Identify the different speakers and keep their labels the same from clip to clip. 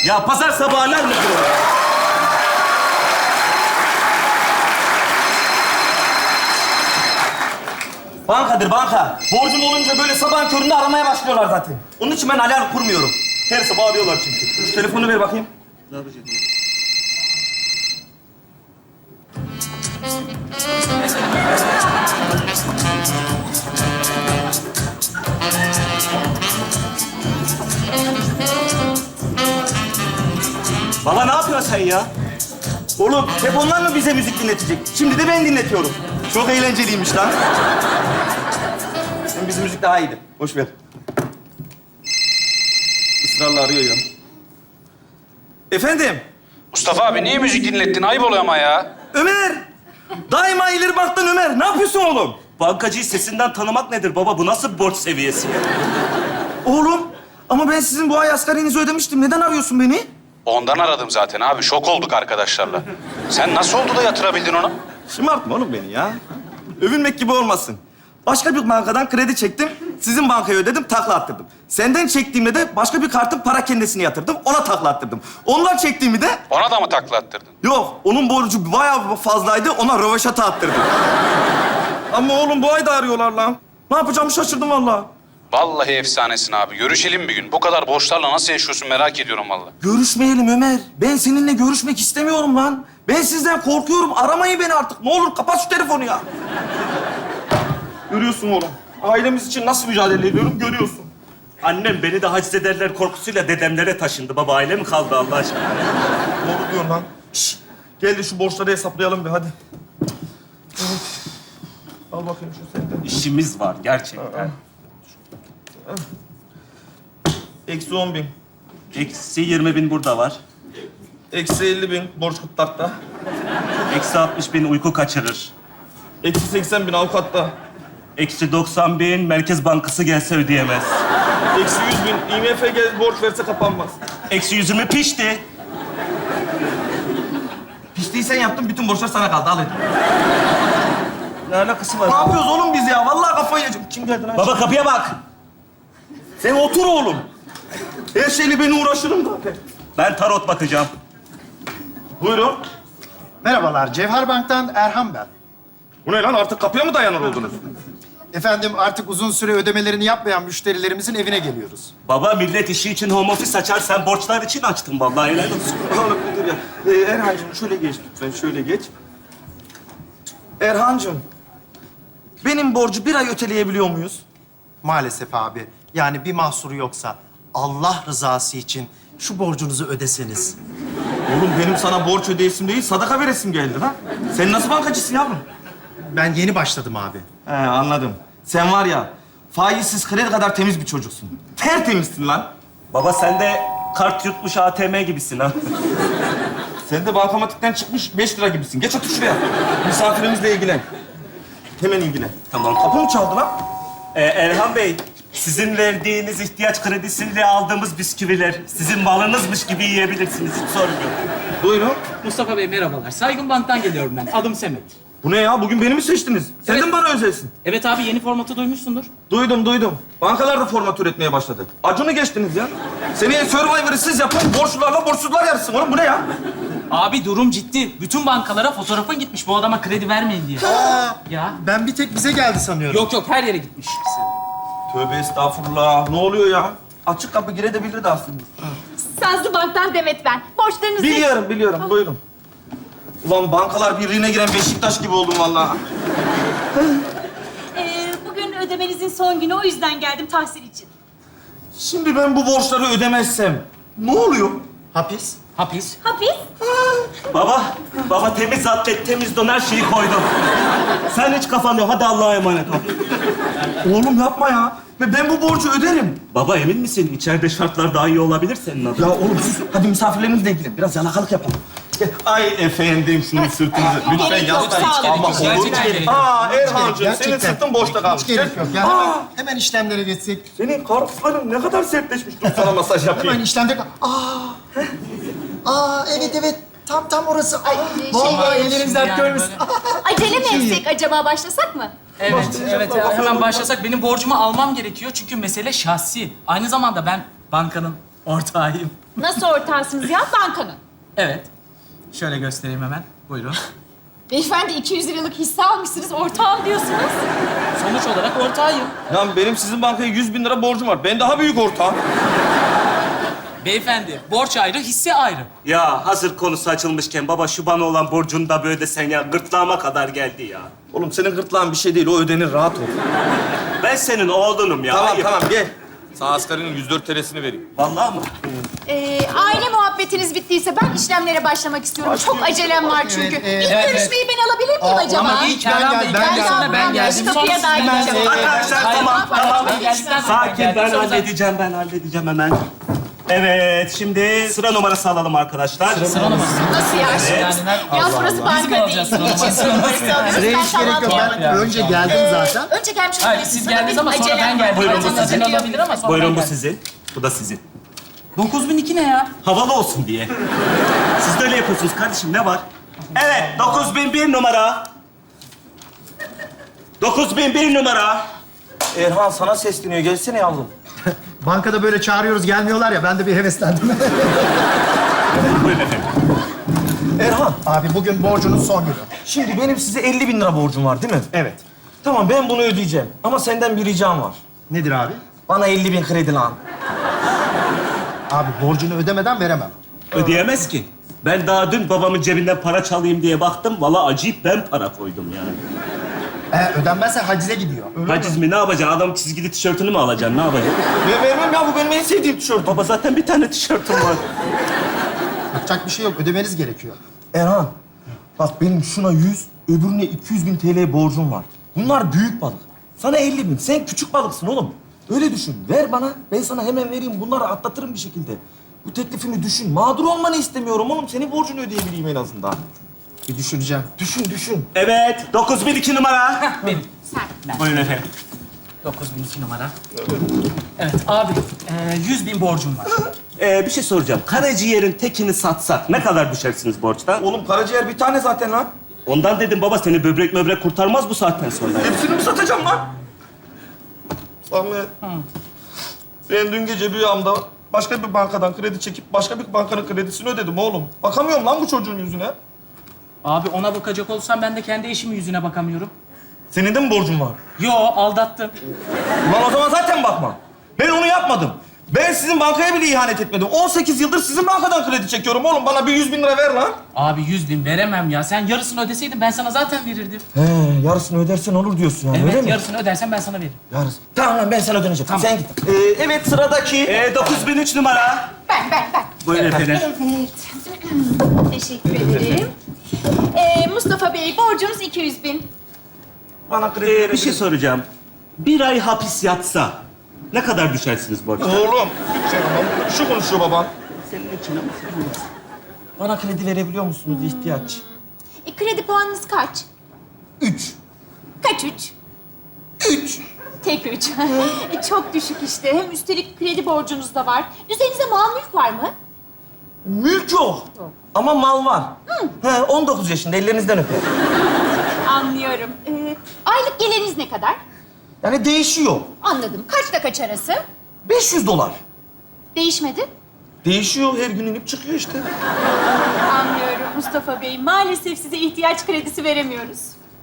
Speaker 1: Ya pazar sabahı alarm mı kuruyor? Bankadır banka. Borcum olunca böyle sabahın köründe aramaya başlıyorlar zaten. Onun için ben alarm kurmuyorum. Her sabah arıyorlar çünkü. Şu telefonu ver bakayım. Ne yapacağım? Baba ne yapıyorsun sen ya? Oğlum hep onlar mı bize müzik dinletecek? Şimdi de ben dinletiyorum. Çok eğlenceliymiş lan. Hem bizim müzik daha iyiydi. Boş ver. Israrla arıyor ya. Efendim?
Speaker 2: Mustafa abi niye müzik dinlettin? Ayıp oluyor ama ya.
Speaker 1: Ömer! Daima ileri baktın Ömer. Ne yapıyorsun oğlum? Bankacıyı sesinden tanımak nedir baba? Bu nasıl bir borç seviyesi ya? Oğlum ama ben sizin bu ay asgarinizi ödemiştim. Neden arıyorsun beni?
Speaker 2: Ondan aradım zaten abi. Şok olduk arkadaşlarla. Sen nasıl oldu da yatırabildin onu?
Speaker 1: Şımartma oğlum beni ya. Övünmek gibi olmasın. Başka bir bankadan kredi çektim. Sizin bankaya ödedim, takla attırdım. Senden çektiğimde de başka bir kartın para kendisini yatırdım. Ona takla attırdım. Ondan çektiğimi de...
Speaker 2: Ona da mı takla attırdın?
Speaker 1: Yok, onun borcu bayağı fazlaydı. Ona röveşata attırdım. Ama oğlum bu ay da arıyorlar lan. Ne yapacağımı şaşırdım vallahi.
Speaker 2: Vallahi efsanesin abi. Görüşelim bir gün. Bu kadar borçlarla nasıl yaşıyorsun merak ediyorum vallahi.
Speaker 1: Görüşmeyelim Ömer. Ben seninle görüşmek istemiyorum lan. Ben sizden korkuyorum. Aramayın beni artık. Ne olur kapat şu telefonu ya. Görüyorsun oğlum. Ailemiz için nasıl mücadele ediyorum görüyorsun. Annem beni de haciz ederler korkusuyla dedemlere taşındı. Baba aile mi kaldı Allah aşkına? Doğru diyorsun lan. Şişt. Gel de şu borçları hesaplayalım bir hadi. Evet. Al bakayım şu senden. İşimiz var gerçekten. Eksi 10.000. Eksi 20.000 burada var. Eksi 50.000 borç kıtlıkta. Eksi 60.000 uyku kaçırır. Eksi 80.000 avukatta. Eksi 90.000 Merkez Bankası gelse ödeyemez. Eksi 100.000 IMF borç verse kapanmaz. Eksi 120 pişti. Piştiği sen yaptın, bütün borçlar sana kaldı. Al hadi. Ne alakası var? Ne yapıyoruz oğlum biz ya? Vallahi kafayı yiyeceğim. Kim geldi lan? Baba kapıya bak. Sen otur oğlum. Her şeyle ben uğraşırım zaten. Ben tarot bakacağım. Buyurun.
Speaker 3: Merhabalar, Cevher Bank'tan Erhan ben.
Speaker 1: Bu ne lan? Artık kapıya mı dayanır oldunuz?
Speaker 3: Efendim artık uzun süre ödemelerini yapmayan müşterilerimizin evine geliyoruz.
Speaker 1: Baba millet işi için home office açar. Sen borçlar için açtın vallahi. Helal olsun. Oğlum bir dur ya. Erhan'cığım şöyle geç lütfen. Şöyle geç. Erhan'cığım. Benim borcu bir ay öteleyebiliyor muyuz?
Speaker 3: Maalesef abi, yani bir mahsuru yoksa Allah rızası için şu borcunuzu ödeseniz.
Speaker 1: Oğlum benim sana borç ödeyesim değil, sadaka veresim geldi lan. Sen nasıl bankacısın yavrum?
Speaker 3: Ben yeni başladım abi.
Speaker 1: He anladım. Sen var ya, faizsiz kredi kadar temiz bir çocuksun. Tertemizsin lan. Baba sen de kart yutmuş ATM gibisin ha. Sen de bankamatikten çıkmış 5 lira gibisin. Geç otur şuraya. Misafirimizle ilgilen. Hemen ilgilen. Tamam. Kapı mı çaldı lan? Erhan Bey, sizin verdiğiniz ihtiyaç kredisiyle aldığımız bisküviler sizin malınızmış gibi yiyebilirsiniz. Hiç sorun yok. Buyurun.
Speaker 4: Mustafa Bey merhabalar. Saygın Bank'tan geliyorum ben. Adım Semet.
Speaker 1: Bu ne ya? Bugün beni mi seçtiniz? Sen de mi bana özelsin?
Speaker 4: Evet abi yeni formatı duymuşsundur.
Speaker 1: Duydum. Bankalar da format üretmeye başladı. Acunu geçtiniz ya. Seneye Survivor'ı siz yapın, borçlularla borçsuzlar yarışsın. Oğlum bu ne ya?
Speaker 4: Abi durum ciddi. Bütün bankalara fotoğrafın gitmiş bu adama kredi vermeyin diye. Ya.
Speaker 3: Ben bir tek bize geldi sanıyorum.
Speaker 4: Yok her yere gitmiş.
Speaker 1: Tövbe estağfurullah. Ne oluyor ya? Açık kapı girebilirdi aslında.
Speaker 5: Sazlı Bank'tan Demet ben. Borçlarınızı...
Speaker 1: Biliyorum. Buyurun. Ulan bankalar birliğine giren Beşiktaş gibi oldum vallahi.
Speaker 5: Bugün ödemenizin son günü, o yüzden geldim tahsil için.
Speaker 1: Şimdi ben bu borçları ödemezsem ne oluyor?
Speaker 3: Hapis.
Speaker 4: Hapis.
Speaker 5: Hapis?
Speaker 1: Baba temiz atlet, temiz don her şeyi koydum. Sen hiç kafanı yok. Hadi Allah'a emanet ol. Oğlum yapma ya. Ben bu borcu öderim. Baba emin misin? İçeride şartlar daha iyi olabilir senin adına. Ya oğlum sus. Hadi misafirlerimizle ilgilen. Biraz yalakalık yapalım. Ay efendim şunun sırtınızı. Lütfen
Speaker 5: Gerek yok,
Speaker 1: yaslayın.
Speaker 5: sağ olun.
Speaker 1: Ama olur.
Speaker 4: Gerçekten gerek yok.
Speaker 1: Erhan'cığım senin sırtın boşta kalmış.
Speaker 3: Hiç gerek yok. Ya hemen işlemlere geçsek.
Speaker 1: Senin karpuzların ne kadar sertleşmiş. Dur sana masaj yapayım.
Speaker 3: Hemen işlemde... Evet. Tam orası. Ay, vallahi elleriniz dert görmüş.
Speaker 5: Acele mi etsek acaba, başlasak mı?
Speaker 4: Evet. Hemen başlasak. Benim borcumu almam gerekiyor çünkü mesele şahsi. Aynı zamanda ben bankanın Ortağıyım.
Speaker 5: Nasıl ortağısınız ya? Bankanın.
Speaker 4: Evet. Şöyle göstereyim hemen. Buyurun.
Speaker 5: Beyefendi 200 liralık hisse almışsınız, ortağım diyorsunuz.
Speaker 4: Sonuç olarak ortağıyım.
Speaker 1: Lan benim sizin bankaya 100 bin lira borcum var. Ben daha büyük ortağım.
Speaker 4: Beyefendi, borç ayrı, hisse ayrı.
Speaker 6: Ya hazır konusu açılmışken baba şu bana olan borcunu da böyle sen ya gırtlağıma kadar geldi ya.
Speaker 1: Oğlum senin gırtlağın bir şey değil. O ödenir. Rahat ol.
Speaker 6: Ben senin oğlunum ya.
Speaker 1: Tamam
Speaker 6: Ayıp.
Speaker 1: tamam gel. Sana asgarinin 104 TL'sini vereyim.
Speaker 6: Vallahi mı?
Speaker 5: Aile muhabbetiniz bittiyse ben işlemlere başlamak istiyorum. Çok acelem var çünkü. İlk görüşmeyi ben alabilir miyim acaba?
Speaker 3: ama ilk ben geldim, ben geldim.
Speaker 4: Sonra ben geldim.
Speaker 5: Kapıya
Speaker 4: Sonra
Speaker 5: da
Speaker 4: siz ben
Speaker 5: gideceğim.
Speaker 6: Arkadaşlar
Speaker 4: Hayır,
Speaker 6: tamam tamam.
Speaker 4: Ben geldikten sonra
Speaker 6: Sakin
Speaker 4: geldim.
Speaker 6: ben
Speaker 4: Sonra zaten-
Speaker 6: halledeceğim hemen. Evet şimdi sıra numarası alalım arkadaşlar.
Speaker 4: Sıra numarası.
Speaker 5: Nasıl ya?
Speaker 4: Yani ben...
Speaker 5: Ya burası banka
Speaker 4: mi
Speaker 5: değil.
Speaker 4: alacağız sıra numarası?
Speaker 3: Sıraya hiç gerek yok. Ben önce geldim zaten.
Speaker 5: Önce gelmiş
Speaker 4: Hayır,
Speaker 5: olabilirsiniz
Speaker 4: siz
Speaker 5: ama
Speaker 4: geldiniz
Speaker 5: benim
Speaker 4: ama sonra
Speaker 5: acelem
Speaker 4: ben
Speaker 5: var.
Speaker 4: geldim.
Speaker 6: Buyurun,
Speaker 4: Buyurun,
Speaker 6: bu sizin.
Speaker 4: olabilir ama sonra
Speaker 6: Buyurun
Speaker 4: ben
Speaker 6: bu
Speaker 4: geldim.
Speaker 6: sizin. Bu da sizin.
Speaker 4: 9002 ne ya?
Speaker 6: Havalı olsun diye. Siz de öyle yapıyorsunuz kardeşim ne var? Evet 9001 numara. 9001 numara.
Speaker 1: Erhan sana sesleniyor. Gelsene yavrum.
Speaker 3: Bankada böyle çağırıyoruz, gelmiyorlar ya. Ben de bir heveslendim.
Speaker 6: Buyurun efendim.
Speaker 1: Erhan,
Speaker 3: Abi bugün borcunun son günü.
Speaker 1: şimdi benim size 50 bin lira borcum var değil mi?
Speaker 3: Evet.
Speaker 1: Tamam ben bunu ödeyeceğim. Ama senden bir ricam var.
Speaker 3: Nedir abi?
Speaker 1: Bana 50 bin kredi lan.
Speaker 3: Abi borcunu ödemeden veremem.
Speaker 6: Ödeyemez ki. Ben daha dün babamın cebinden para çalayım diye baktım. Vallahi acayip ben para koydum yani.
Speaker 3: Ödenmezse hacize gidiyor.
Speaker 6: Haciz mi ne yapacaksın? Adam çizgili tişörtünü mü alacaksın? Ne yapacaksın?
Speaker 1: Ben vermem ya. Bu benim en sevdiğim tişört.
Speaker 6: Baba zaten bir tane tişörtüm var.
Speaker 3: Yapacak bir şey yok. Ödemeniz gerekiyor.
Speaker 1: Erhan, bak benim şuna 100, öbürüne 200 bin TL borcum var. Bunlar büyük balık. Sana 50 bin. Sen küçük balıksın oğlum. Öyle düşün. Ver bana. Ben sana hemen vereyim. Bunları atlatırım bir şekilde. Bu teklifimi düşün. Mağdur olmanı istemiyorum oğlum. Senin borcunu ödeyebileyim en azından.
Speaker 3: Bir düşüneceğim.
Speaker 1: Düşün.
Speaker 6: Evet 9002 numara.
Speaker 4: Benim.
Speaker 6: Buyurun efendim.
Speaker 4: 9002 numara. Evet abi, 100 bin borcum var.
Speaker 6: Bir şey soracağım. Karaciğerin tekini satsak ne kadar düşersiniz borçtan?
Speaker 1: Oğlum karaciğer bir tane zaten lan.
Speaker 6: Ondan dedim baba seni böbrek möbrek kurtarmaz bu saatten sonra.
Speaker 1: Hepsini mi satacağım lan? Samet. Ben dün gece rüyamda başka bir bankadan kredi çekip başka bir bankanın kredisini ödedim oğlum. Bakamıyorum lan bu çocuğun yüzüne.
Speaker 4: Abi ona bakacak olsam ben de kendi eşimin yüzüne bakamıyorum.
Speaker 1: Senin de mi borcun var?
Speaker 4: Yo, aldattım.
Speaker 1: Ulan o zaman zaten bakma. Ben onu yapmadım. Ben sizin bankaya bile ihanet etmedim. 18 yıldır sizin bankadan kredi çekiyorum oğlum. Bana bir 100 bin lira ver lan.
Speaker 4: Abi 100 bin veremem ya. Sen yarısını ödeseydin ben sana zaten verirdim.
Speaker 1: He, yarısını ödersen olur diyorsun yani öyle
Speaker 4: Evet,
Speaker 1: mi?
Speaker 4: yarısını ödersen ben sana veririm.
Speaker 1: Yarısı. Tamam lan ben sana ödeneceğim.
Speaker 4: Tamam.
Speaker 1: Sen git. Evet sıradaki.
Speaker 6: 9003 numara.
Speaker 5: Ben.
Speaker 6: Buyurun efendim.
Speaker 5: Evet. Teşekkür ederim. Mustafa Bey, borcunuz 200 bin.
Speaker 1: Bana kredi
Speaker 6: Bir
Speaker 1: verebilir.
Speaker 6: şey soracağım. Bir ay hapis yatsa ne kadar düşersiniz borçtan?
Speaker 1: Oğlum. Şu konuşuyor baban.
Speaker 6: Senin için ama sen bilirsin.
Speaker 1: Bana kredi verebiliyor musunuz ihtiyaç?
Speaker 5: Kredi puanınız kaç?
Speaker 1: 3.
Speaker 5: Kaç üç?
Speaker 1: 3.
Speaker 5: Tek üç. Çok düşük işte. Hem üstelik kredi borcunuz da var. Üzerinizde mal mülk var mı?
Speaker 1: Mülk yok. Ama mal var. He, 19 yaşında ellerinizden öper.
Speaker 5: Anlıyorum. Aylık geliriniz ne kadar?
Speaker 1: Yani değişiyor.
Speaker 5: Anladım. Kaçta kaç arası?
Speaker 1: 500 dolar.
Speaker 5: Değişmedi.
Speaker 1: Değişiyor her gün inip çıkıyor işte.
Speaker 5: Anlıyorum Mustafa Bey. Maalesef size ihtiyaç kredisi veremiyoruz.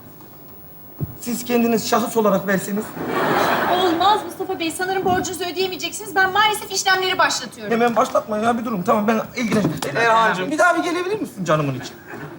Speaker 1: Siz kendiniz şahıs olarak verseniz
Speaker 5: Olmaz Mustafa Bey. Sanırım borcunuzu ödeyemeyeceksiniz. Ben maalesef işlemleri başlatıyorum.
Speaker 1: hemen başlatma ya bir durun. Tamam ben ilgileneceğim. Erhan'cığım bir daha bir gelebilir misin canımın için?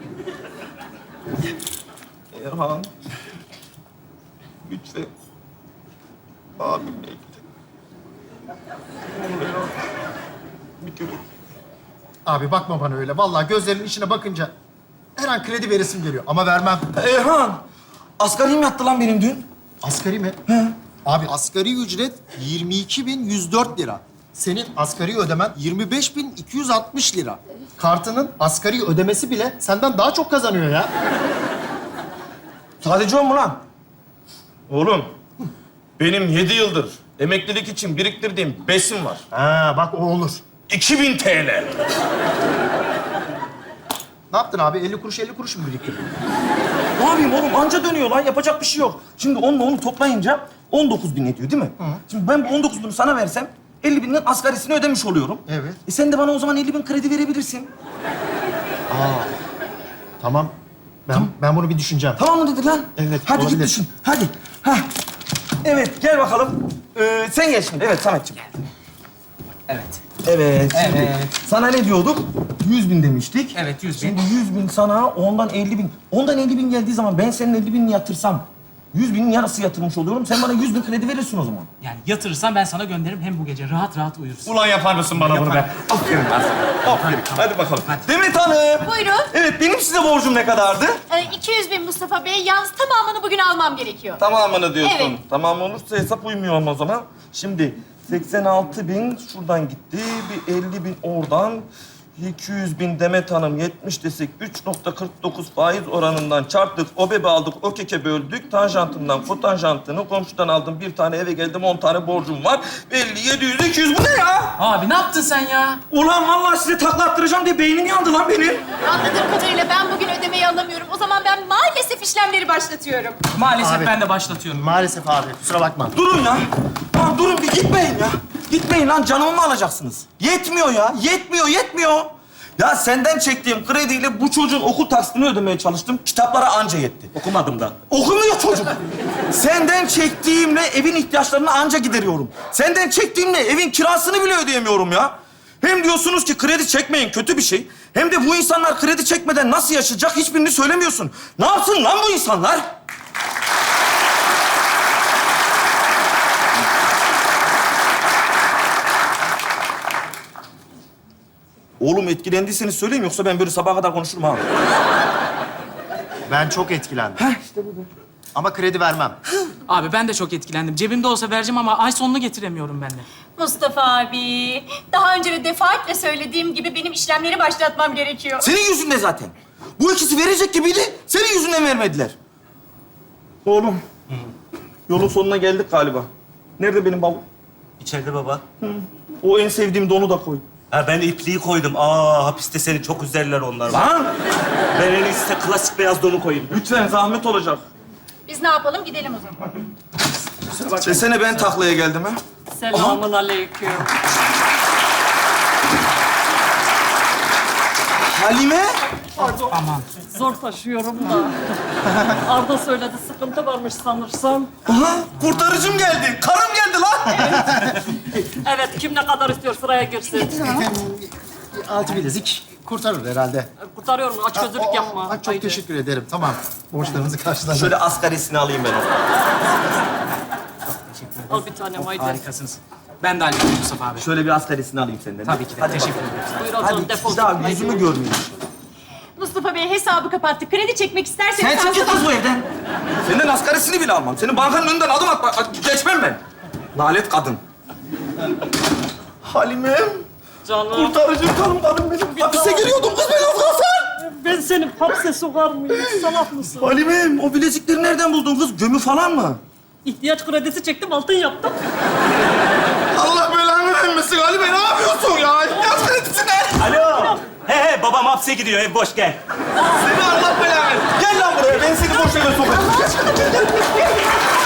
Speaker 1: Erhan. Lütfen. Abim bekle. Ne olur Erhan. Bir kere.
Speaker 3: Abi bakma bana öyle. Vallahi gözlerinin içine bakınca her an kredi veresim geliyor. Ama vermem.
Speaker 1: Erhan. Asgarim yattı lan benim dün.
Speaker 3: Asgari mi? Abi asgari ücret 22.104 lira. Senin asgari ödemen 25.260 lira. Kartının asgari ödemesi bile senden daha çok kazanıyor ya.
Speaker 1: Sadece o mu lan? Oğlum. Benim 7 yıldır emeklilik için biriktirdiğim besim var.
Speaker 3: Ha bak o olur.
Speaker 1: 2000 TL.
Speaker 3: Ne yaptın abi? 50 kuruş 50 kuruş mu biriktirdin?
Speaker 1: Ne yapayım oğlum? Anca dönüyor lan. Yapacak bir şey yok. Şimdi onunla onu toplayınca 19 bin ediyor değil mi? Şimdi ben bu 19 bini sana versem 50 binin asgarisini ödemiş oluyorum.
Speaker 3: Evet.
Speaker 1: Sen de bana o zaman 50 bin kredi verebilirsin.
Speaker 3: Tamam. Ben bunu bir düşüneceğim.
Speaker 1: Tamam mı dedi lan?
Speaker 3: Evet,
Speaker 1: Hadi
Speaker 3: olabilir.
Speaker 1: git düşün. Hadi. Hah. Evet, gel bakalım. Sen gel şimdi. Evet, Sametciğim.
Speaker 4: Evet.
Speaker 1: Evet, şimdi
Speaker 4: Evet.
Speaker 1: sana ne diyorduk? 100 bin demiştik.
Speaker 4: Evet, 100 bin.
Speaker 1: Şimdi 100 bin sana, ondan 50 bin. Ondan 50 bin geldiği zaman ben senin 50 binini yatırsam, 100 binin yarısı yatırmış oluyorum. Sen bana 100 bin kredi verirsin o zaman.
Speaker 4: Yani yatırırsan ben sana gönderirim. Hem bu gece rahat rahat uyursun.
Speaker 1: Ulan yapar mısın bana bunu be? Aferin lan sana. Aferin. Hadi bakalım. Demet Hanım.
Speaker 5: Buyurun.
Speaker 1: Evet, benim size borcum ne kadardı?
Speaker 5: 200 bin Mustafa Bey. Yalnız tamamını bugün almam gerekiyor.
Speaker 1: Tamamını diyorsun.
Speaker 5: Evet.
Speaker 1: Tamam olursa hesap uymuyor ama o zaman. Şimdi 86 bin şuradan gitti. Bir 50 bin oradan. 200 bin Demet Hanım 70 desek 3.49 faiz oranından çarptık. O bebe aldık, o keke böldük. Tanjantından kotanjantını komşudan aldım. Bir tane eve geldim 10 tane borcum var. 50, 700, 200 bu ne ya?
Speaker 4: Abi ne yaptın sen ya?
Speaker 1: Ulan vallahi size takla attıracağım diye beynim yandı lan benim.
Speaker 5: Anladığım kadarıyla ben bugün ödemeyi alamıyorum. O zaman ben maalesef işlemleri başlatıyorum.
Speaker 4: Maalesef
Speaker 3: Abi.
Speaker 4: ben de başlatıyorum.
Speaker 3: Maalesef abi. Kusura bakma.
Speaker 1: Durun ya. Lan durun bir gitmeyin ya. Gitmeyin lan canımı mı alacaksınız? Yetmiyor ya. Yetmiyor. Ya senden çektiğim krediyle bu çocuğun okul taksitini ödemeye çalıştım. Kitaplara anca yetti.
Speaker 6: Okumadım da.
Speaker 1: Okumuyor çocuk. Senden çektiğimle evin ihtiyaçlarını anca gideriyorum. Senden çektiğimle evin kirasını bile ödeyemiyorum ya. Hem diyorsunuz ki kredi çekmeyin kötü bir şey. Hem de bu insanlar kredi çekmeden nasıl yaşayacak hiçbirini söylemiyorsun. Ne yapsın lan bu insanlar? Oğlum etkilendiyseniz söyleyin yoksa ben böyle sabaha kadar konuşurum ha.
Speaker 3: Ben çok etkilendim. Ama kredi vermem.
Speaker 4: Abi ben de çok etkilendim. Cebimde olsa vereceğim ama ay sonunu getiremiyorum ben de.
Speaker 5: Mustafa abi, daha önce de defaatle söylediğim gibi benim işlemleri başlatmam gerekiyor.
Speaker 1: Senin yüzünden zaten. Bu ikisi verecek gibiydi, senin yüzünden vermediler. Oğlum, yolun sonuna geldik galiba. Nerede benim bavul?
Speaker 6: İçeride baba.
Speaker 1: O en sevdiğim donu da koy.
Speaker 6: Ha ben ipliği koydum. Hapiste seni çok üzerler onlar.
Speaker 1: Lan!
Speaker 6: Ben en iyisi de klasik beyaz donu koyayım.
Speaker 1: Lütfen zahmet olacak.
Speaker 5: Biz ne yapalım? Gidelim o zaman.
Speaker 1: Desene ben taklaya geldim ha.
Speaker 7: Selamun aleyküm.
Speaker 1: Halime?
Speaker 4: Aman.
Speaker 7: Zor taşıyorum da. Arda söyledi, sıkıntı varmış sanırsam.
Speaker 1: Aha, kurtarıcım geldi. Karım geldi lan.
Speaker 7: Evet, kim ne kadar istiyor sıraya girsin.
Speaker 3: Altı bilezik kurtarır herhalde.
Speaker 7: Kurtarıyorum, aç gözlülük yapma.
Speaker 3: Çok
Speaker 7: Haydi.
Speaker 3: teşekkür ederim. Tamam. Borçlarınızı karşıladım.
Speaker 1: Şöyle asgarisini alayım ben onu.
Speaker 7: Al bir tanem, haydi.
Speaker 4: Harikasınız. Ben de hallederim Mustafa abi.
Speaker 1: Şöyle bir asgarisini alayım senden.
Speaker 4: Tabii ki de.
Speaker 1: Hadi
Speaker 4: Teşekkür
Speaker 1: bakalım.
Speaker 4: ederim.
Speaker 7: Buyur o
Speaker 1: Hadi
Speaker 7: zaman, defol
Speaker 1: siz daha
Speaker 7: git.
Speaker 1: yüzümü görmeyin.
Speaker 5: Mustafa Bey hesabı kapattı. Kredi çekmek isterseniz...
Speaker 1: Sen çık git kız bu evden. Senden asgarisini bile almam. Senin bankanın önünden adım atma. Geçmem ben. Lanet kadın. Halimem.
Speaker 7: Canım,
Speaker 1: Kurtarıcım karım benim. Hapise giriyordum kız ben az kalsın.
Speaker 7: ben seni hapse sokar mıyım? Salak mısın?
Speaker 1: Halimem o bilezikleri nereden buldun kız? Gömü falan mı?
Speaker 7: İhtiyaç kredisi çektim, altın yaptım.
Speaker 1: Allah belanı vermesin Halime ne yapıyorsun ya? İhtiyaç kredisi ne?
Speaker 6: Alo. He babam hapse gidiyor. Ev boş gel.
Speaker 1: Seni Allah belanı versin. Gel lan buraya ben seni boş yere sokacağım.
Speaker 5: Allah aşkına bir dur.